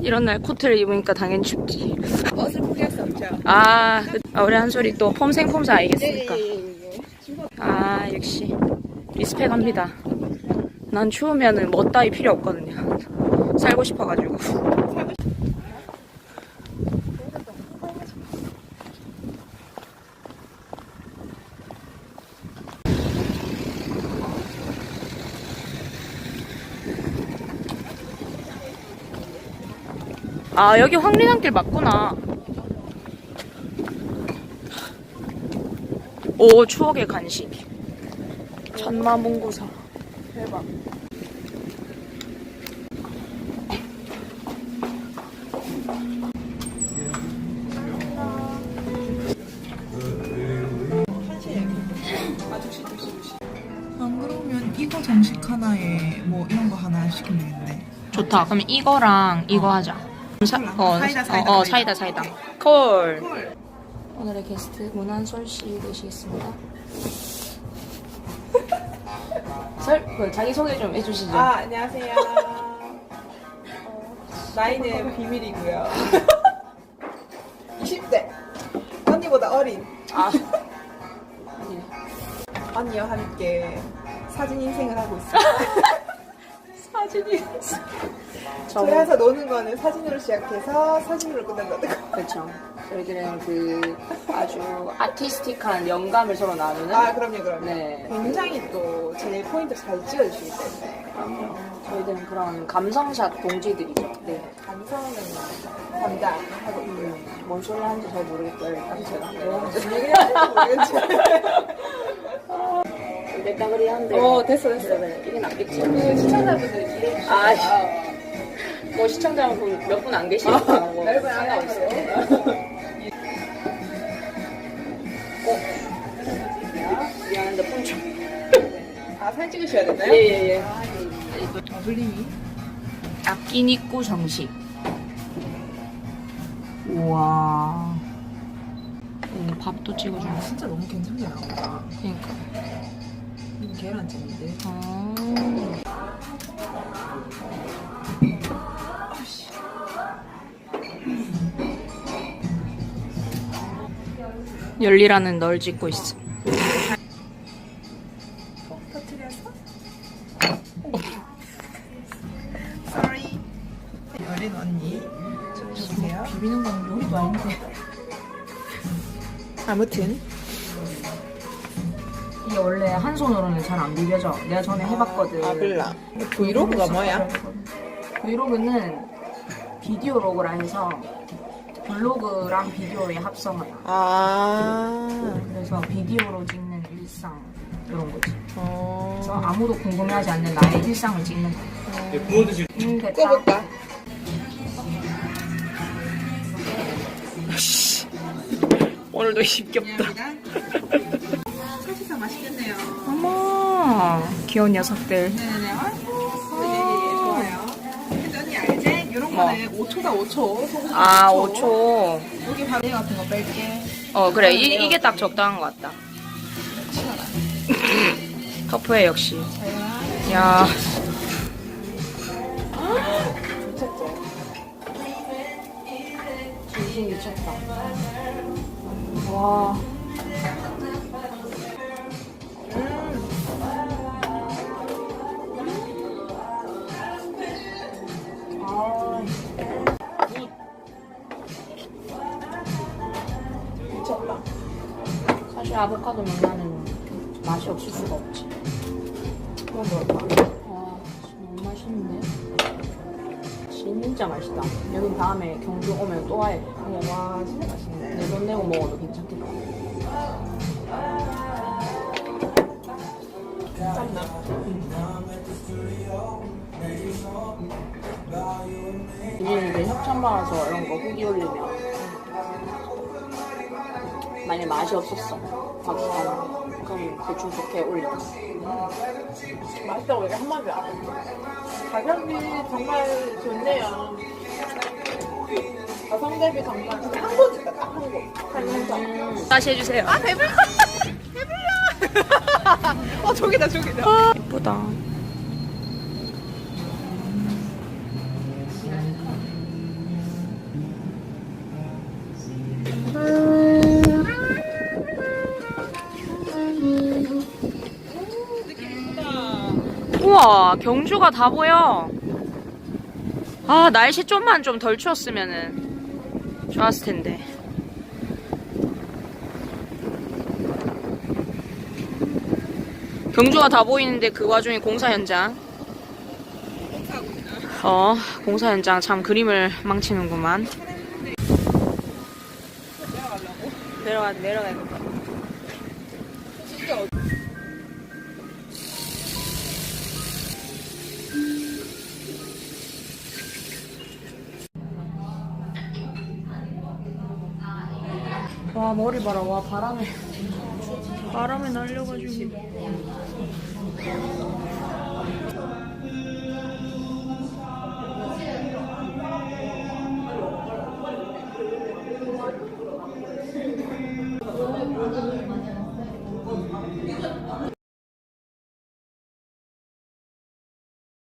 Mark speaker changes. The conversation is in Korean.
Speaker 1: 이런 날 코트를 입으니까 당연히 춥지.
Speaker 2: 옷을 포기할 수 없죠.
Speaker 1: 우리 한솔이 또 폼생폼사 아니겠습니까?
Speaker 2: 예.
Speaker 1: 역시 리스펙합니다. 난 추우면은 뭐 따위 필요 없거든요. 살고 싶어가지고. 여기 황리단길 맞구나. 오, 추억의 간식. 천마문구사. 대박.
Speaker 2: 안 그러면 이거 정식 하나에 뭐 이런 거 하나 시키면 되겠네.
Speaker 1: 좋다. 그럼 이거랑 이거 하자. 사이다. 콜. 오늘의 게스트 문한솔 씨 되시겠습니다. 자기 소개 좀 해주시죠.
Speaker 2: 안녕하세요. 나이는 비밀이고요. 20대. 언니보다 어린. 언니와 함께 사진 인생을 하고 있어요.
Speaker 1: 사진이.
Speaker 2: 저희에서 노는 거는 사진으로 시작해서 사진으로 끝난다는 거.
Speaker 1: 그렇죠. 저희들은 그 아주 아티스틱한 영감을 서로 나누는.
Speaker 2: 그럼요.
Speaker 1: 네.
Speaker 2: 굉장히 또 제 포인트 잘 찍어주시기 때문에.
Speaker 1: 그럼요. 저희들은 그런 감성샷 동지들이죠. 네.
Speaker 2: 감성은 담당하고 있고요.
Speaker 1: 뭔 소리 하는지 잘 모르겠고요. 일단 제가.
Speaker 2: 무슨 얘기를 하는지 모르겠지.
Speaker 1: 내 따그리 한데.
Speaker 2: 됐어.
Speaker 1: 그래. 이게 낫겠지.
Speaker 2: 시청자분들이 기대해주시죠.
Speaker 1: 뭐 시청자분 몇 분 안 계시니까 뭐 상관없어요. 미안한데 폰 좀.
Speaker 2: 사진 찍으셔야 되나요?
Speaker 1: 예.
Speaker 2: 블링이.
Speaker 1: 아끼니꾸 정식. 우와. 밥도 찍어주네.
Speaker 2: 진짜 너무 괜찮게 나온다.
Speaker 1: 그러니까.
Speaker 2: 이거 계란찜인데.
Speaker 1: 열리라는 널 찍고 있어.
Speaker 2: 터트려서? Sorry. 어린 언니. 보세요.
Speaker 1: 비비는 건 요리도 아닌데.
Speaker 2: 아무튼.
Speaker 1: 이게 원래 한 손으로는 잘 안 비벼져. 내가 전에 해봤거든.
Speaker 2: 몰라. 브이로그가 뭐야?
Speaker 1: 브이로그는 비디오 로그라 해서 블로그랑 비디오의 합성어야. 그래서 비디오로 찍는 일상 이런 거지. 그래서 아무도 궁금해하지 않는 나의 일상을 찍는 거야.
Speaker 3: 구워 드실.
Speaker 1: 됐다.
Speaker 2: 꺼볼까?
Speaker 1: 오늘도 힘겹다.
Speaker 2: 사실상 맛있겠네요.
Speaker 1: 어머, 귀여운 녀석들.
Speaker 2: 네네네. 좋아요. 근데 언니 알지? 이런 거는 5초다 5초.
Speaker 1: 5초.
Speaker 2: 여기 바로 같은 거 뺄게.
Speaker 1: 그래. 이게 딱 적당한 것 같다. 터프해, 역시. 야. 진심 미쳤다. 와.
Speaker 2: 미쳤다.
Speaker 1: 사실 아보카도 면나는 맛이 없을 수가 없지.
Speaker 2: 그건 뭘까?
Speaker 1: 와, 너무 맛있는데? 진짜 맛있다. 여긴 다음에 경주 오면 또 와야 돼.
Speaker 2: 와, 진짜 맛있네.
Speaker 1: 내 돈 내고 먹어도 괜찮겠다.
Speaker 2: 짠나?
Speaker 1: 우리는 이제 협찬 받아서 이런 거 후기 올리면 만약에 맛이 없었어. 그럼 대충 좋게 올린다.
Speaker 2: 맛있다고 얘기 한마디 안 했어. 가격이 정말 좋네요. 가성 대비 정말 한 곳이다, 딱 한 곳. 한
Speaker 1: 다시 해주세요.
Speaker 2: 배불러! 배불러! 저기다.
Speaker 1: 예쁘다.
Speaker 3: 우와, 경주가 다 보여. 아, 날씨 좀만 좀 덜 추웠으면은 좋았을 텐데. 경주가 다 보이는데 그 와중에 공사 현장. 공사 현장 참 그림을 망치는구만. 내려가야겠다. 와, 머리 봐라. 와, 바람에 날려가지고.